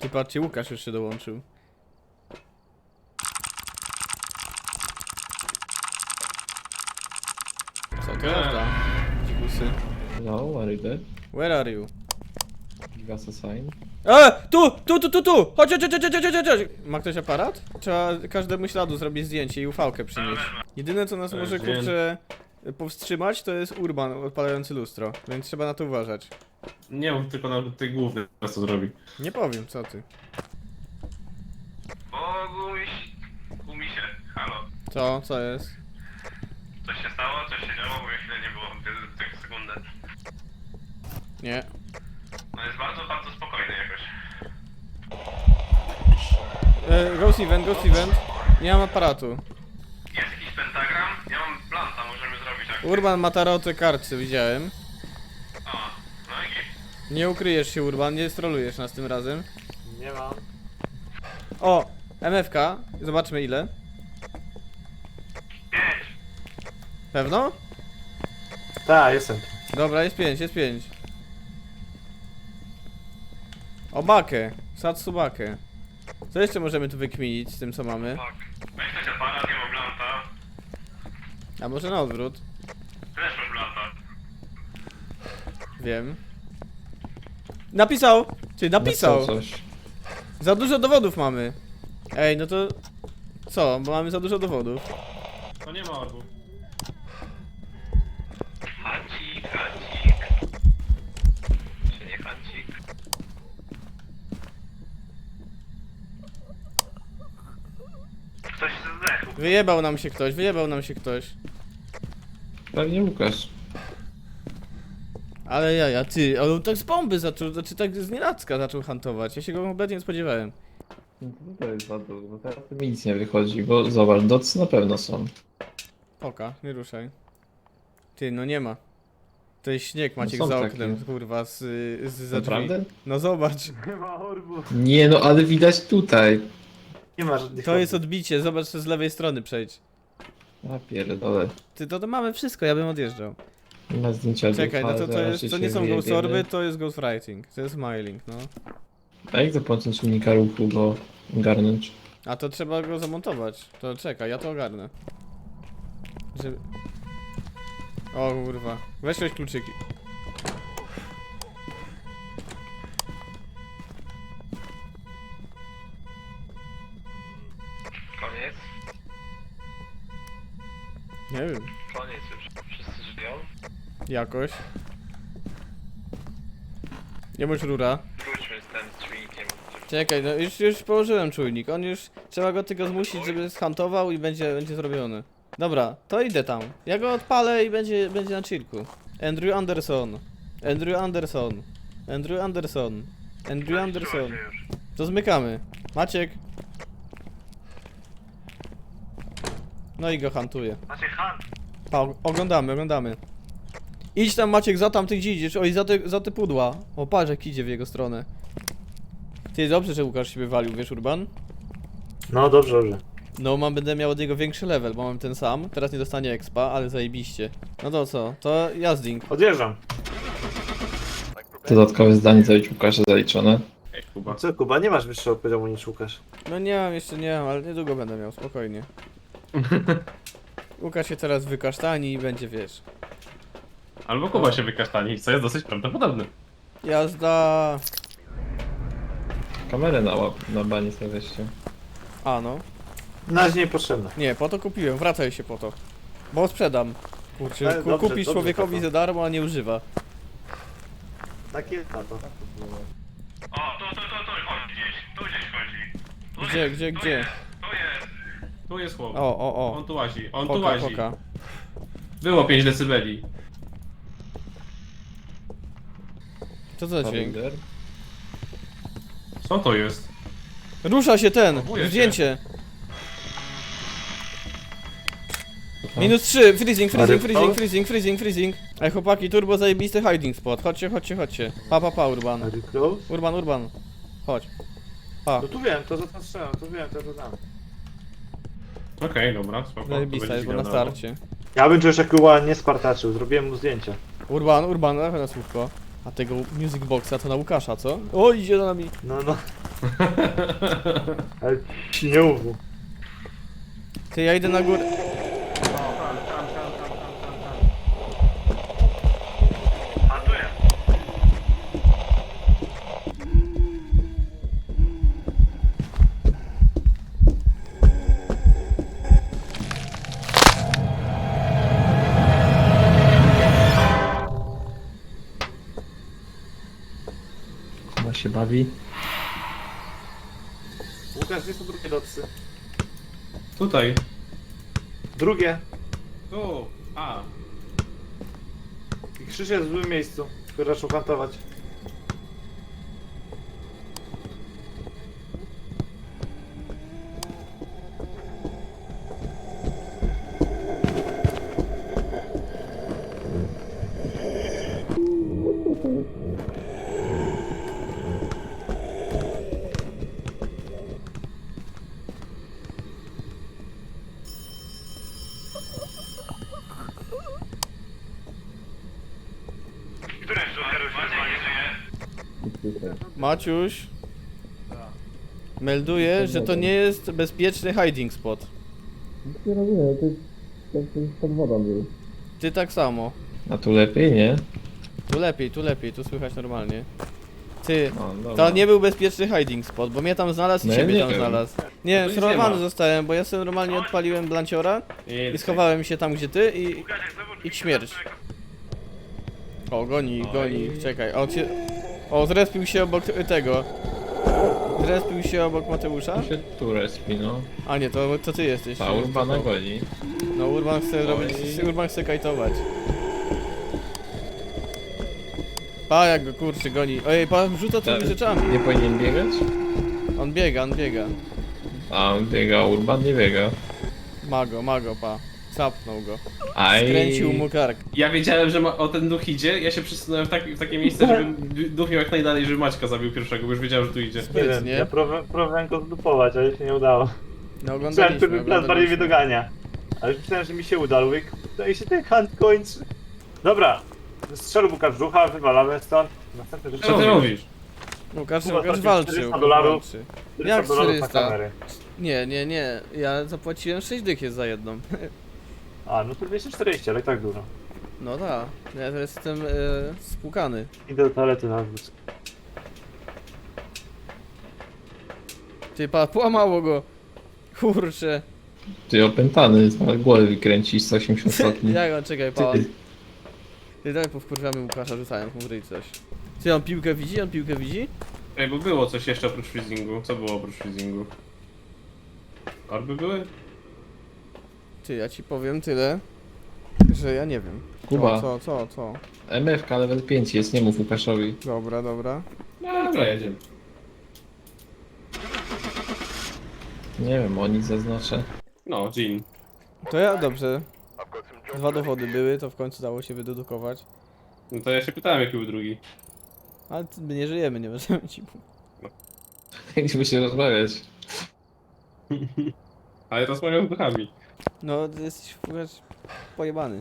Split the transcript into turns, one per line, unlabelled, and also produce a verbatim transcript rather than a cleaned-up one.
Ty patrzcie, Łukasz już się dołączył. Co to prawda? Dzikusy.
Hello, are you there?
Where are you?
Give us a sign.
E! Tu! Tu, tu, tu, tu! Chodź, chodź, chodź, chodź, chodź, chodź, chodź! Ma ktoś aparat? Trzeba każdemu śladu zrobić zdjęcie i ufałkę przynieść. Jedyne co nas może, kurczę, powstrzymać to jest Urban odpalający lustro, więc trzeba na to uważać.
Nie mów tylko na tej głównej, co zrobi.
Nie powiem, co ty.
O, gumiś... Gumisie, halo.
Co? Co jest?
Coś się stało? Coś się działo? Bo chwilę nie było, tak sekundę.
Nie.
No jest bardzo, bardzo spokojny jakoś.
E, ghost event, ghost event. Nie mam aparatu.
Jest jakiś pentagram? Ja mam planta, możemy zrobić jak...
Urban ma taroty kartce, widziałem.
O, no i git.
Nie ukryjesz się, Urban, nie strolujesz nas tym razem.
Nie mam.
O! M F K, zobaczmy ile.
Pięć.
Pewno?
Tak, jestem.
Dobra, jest pięć, jest pięć. O bakę, Satsubakę. Co jeszcze możemy tu wykminić z tym co mamy?
Tak. Weź ktoś aparat, nie mam planta.
A może na odwrót?
Też mam planta.
Wiem. Napisał! Czyli napisał!
coś.
Za dużo dowodów mamy. Ej, no to... Co? Bo mamy za dużo dowodów.
To nie ma orbu.
Hancik, hancik. Czy nie hancik? Ktoś zdechł.
Wyjebał nam się ktoś, wyjebał nam się ktoś.
Pewnie Łukasz.
Ale ja, ja, ty, ale on tak z bomby zaczął, znaczy tak z nienacka zaczął hantować. Ja się go kompletnie nie spodziewałem.
No to jest bardzo, bo teraz mi nic nie wychodzi, bo zobacz, docy na pewno są.
Poka, nie ruszaj. Ty, no nie ma. To jest śnieg, Maciek,
No są
za
takie.
oknem, kurwa, z, z za drzwi.
Naprawdę?
No zobacz,
Nie ma orbu.
Nie no, ale widać tutaj.
Nie ma żadnych
to jest
orbów.
odbicie, zobacz, że z lewej strony przejdź.
A pierdolę.
Ty, to, to mamy wszystko, ja bym odjeżdżał.
Nie ma zdjęcia
Czekaj, no to, to,
zaraz
jest, to
się
nie są
wyjebiemy.
ghost orby, to jest ghostwriting, to jest smiling, no.
A jak zapłacić czynnika ruchu go ogarnąć?
A to trzeba go zamontować, to czekaj, ja to ogarnę. Żeby... O kurwa, weź weź kluczyki.
Koniec?
Nie wiem,
Koniec już. Wszyscy żyją?
jakoś. Nie bądź rura.
Wróćmy z tym czujnikiem.
Czekaj, no już, już położyłem czujnik, on już... Trzeba go tylko zmusić, żeby zhantował i będzie, będzie zrobiony. Dobra, to idę tam. Ja go odpalę i będzie, będzie na chillku. Andrew Anderson. Andrew Anderson. Andrew Anderson. Andrew Anderson. To zmykamy. Maciek. No i go hantuje.
Macie han.
Pa, oglądamy, oglądamy. Idź tam, Maciek, za tam ty gdzie idziesz, oj, za te, za te pudła. O, patrz jak idzie w jego stronę. Ty, dobrze, że Łukasz się wywalił, wiesz, Urban?
No dobrze, dobrze.
No, mam, będę miał od niego większy level, bo mam ten sam. Teraz nie dostanie expa, ale zajebiście. No to co? To jazding.
Odjeżdżam.
Dodatkowe zdanie za Łukasza zaliczone.
Ej, Kuba.
Co, Kuba, nie masz wyższego poziomu niż Łukasz.
No nie mam, jeszcze nie mam, ale niedługo będę miał, spokojnie. Łukasz się teraz wykasztani i będzie, wiesz.
Albo Kuba się wykasztani, co jest dosyć prawdopodobne.
Jazda!
Kamerę na łap, na bani sobie weźcie.
A no.
Na razie niepotrzebne.
Nie, po to kupiłem, wracaj się po to. Bo sprzedam. Kurczę,
Ale
ku,
dobrze,
kupisz
dobrze,
człowiekowi
tato.
za darmo, a nie używa.
Tak jest na to.
O, tu, tu, tu, tu chodzi gdzieś. Tu gdzieś chodzi. Tu
Gdzie,
jest,
gdzie,
tu
gdzie?
Jest, tu jest.
Tu jest chłop.
O, o,
On
o.
tu łazi, on tu
Poka,
łazi.
poka.
Było pięć decybeli.
Co to za dźwięk?
Co to jest?
Rusza się ten!
Próbuję się.
Zdjęcie! Minus trzy, freezing, freezing,
Ale-
freezing, freezing, freezing, freezing. Ej chłopaki, turbo zajebisty hiding spot. Chodźcie, chodźcie, chodźcie. Pa, pa, pa, Urban.
Are you close?
Urban, Urban. Chodź. Pa.
No tu wiem, to za to strzelam, to wiem, to to dam.
Okej, dobra, spoko. to
Zajebista
będzie
jest, bo na
wiadomo.
starcie.
Ja bym czegoś takiego nie spartaczył, zrobiłem mu zdjęcia.
Urban, Urban, dawaj na słówko. A tego music boxa to na Łukasza, co? O, idzie za nami.
No, no. Ale ci nie mów.
Ty, ja idę na górę.
A tu jest.
Kuba się bawi.
Łukasz, gdzie są drugie docy?
Tutaj.
Drugie.
Tu. A.
I krzyż jest w złym miejscu, który zaczął kantować.
Który jest Joker już nie żyje?
Maciuś. Melduje, że to nie jest bezpieczny hiding spot.
Nie rozumiem, to jest jak pod wodą był.
Ty tak samo.
A tu lepiej, nie?
Tu lepiej, tu lepiej, tu słychać normalnie. Ty,
No, dobra.
to nie był bezpieczny hiding spot, bo mnie tam znalazł i
No ja
ciebie
nie
tam
wiem.
znalazł. Nie,
No to nic
szorowany
nie ma.
zostałem, bo ja sobie normalnie odpaliłem blanciora i schowałem się tam gdzie ty i...
Łukasz, jak znowu
I śmierć. O, goni,
Oj.
goni, czekaj, o, się... o, zrespił się obok tego. Zrespił się obok Mateusza?
Tu się tu respi, no.
A nie, to, to ty jesteś.
Ta Urbana goni.
No, Urban chce
Oj.
robić, Urban chce kajtować. Pa, jak go kurczy goni. Ojej, pa, rzuca tymi
Tak.
rzeczami.
Nie powinien biegać?
On biega, on biega.
A on biega, a Urban nie biega.
Mago, mago, pa. Zapnął go.
Aj.
Skręcił mu kark.
Ja wiedziałem, że ma, o ten duch idzie, ja się przesunąłem w, tak, w takie miejsce, żeby duch miał jak najdalej, żeby Maćka zabił pierwszego, bo już wiedziałem, że tu idzie.
Nie wiem,
Sprytnie.
ja próbowałem, próbowałem go zdupować, ale się nie udało.
No
Myślałem,
oglądaliśmy,
który plan bardziej mnie
oglądaliśmy.
dogania. Ale już myślałem, że mi się uda, ale mówię, kurde, i się ten hunt kończy. Dobra, strzelł Łukasz w brzucha, wywalamy stąd. Następny
Co ty mówisz?
Łukasz,
Kuba
Łukasz
tracił
walczył.
czterysta
Łukasz
dolarów.
walczy.
czterysta
Jak
dolarów na
czterysta?
kamery.
Nie, nie, nie. Ja zapłaciłem sześć dych jest za jedną.
A, no to dwieście czterdzieści, ale i tak dużo.
No tak. Ja teraz jestem e, spłukany.
Idę do toalety na wóz.
Ty, pa, połamało go. Kurczę.
Ty opętany, z głowę wykręci sto osiemdziesiąt stopni.
Jak on, czekaj, pa.
Ty.
Ty, dawaj powkurwiamy Łukasza, rzucając mu w ryj coś. Ty, on piłkę widzi? On piłkę widzi?
Ej, bo było coś jeszcze oprócz freezingu. Co było oprócz freezingu? Orby były?
Ty, ja ci powiem tyle, że ja nie wiem.
Kuba.
Co, co, co, co?
M F K level pięć jest, nie mów Łukaszowi.
Dobra, dobra.
No dobra, jedziemy.
Nie wiem, o nic zaznaczę.
No, Jean.
To ja, dobrze. Dwa dowody były, to w końcu dało się wydedukować.
No to ja się pytałem, jaki był drugi.
Ale my nie żyjemy, nie możemy ci mówić.
Chcieliśmy się rozmawiać.
Ale rozmawiam z duchami.
No, ty jesteś w ogóle pojebany.